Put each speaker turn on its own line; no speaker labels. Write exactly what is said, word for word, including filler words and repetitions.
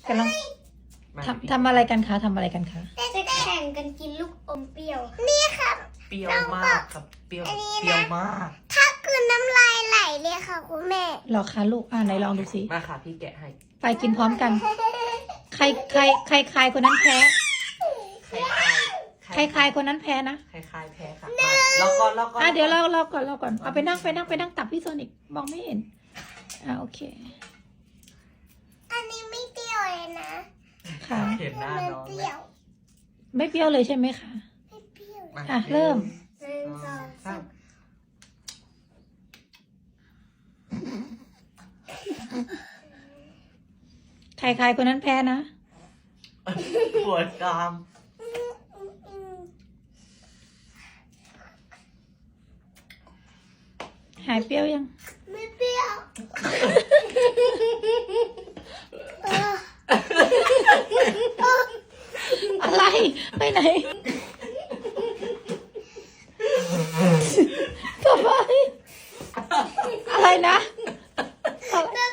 กำลังทำทำอะไรกันคะทำอะไรกันคะ
จะแข่งกันกินลูกอมเปรี้ยวนี่ครับ
เปรี้ยวมากครับเปรี้ยวเปรี้ยวมาก
ถ้าคือน้ำลายไหลเลยค่ะคุณแม่
หรอคะลูกอ่าไหนลองดูสิ
มาค่ะพี่แกะให้
ไปกินพร้อมกัน ใครใครใครใครคนนั้นแพ้
คล้ายๆ
ใครใครคนนั้นแพ้นะ
คล้ายๆแพ้ค่ะแล้วก็แล้วก็
อ่ะเดี๋ยวเราเราก่อนเราก่อนเอาไปนั่งไปนั่งไปนั่งตับพี่โซนิกมองไม่เห็นอ่าโอเค
อันนี้ไม่เปรี้ยวเลยนะ
ค่ะ
เห็นหน้า
มัน
น้อง
เป
ไหม
รี้ยว
ไม่เปรี้ยวเลยใช่ไหมคะ
ไม่เปรี้ยว
อ่ะเริ่ม
หนึ่งสองสาม
ใครใครคนนั้นแพ้นะ
ปวดกราม
อืมอืมอืม
หายเปรี้ยวยัง
ไม่เปรี้ยวเออ
อะไรไปไหนทำไมอะไรนะ
น้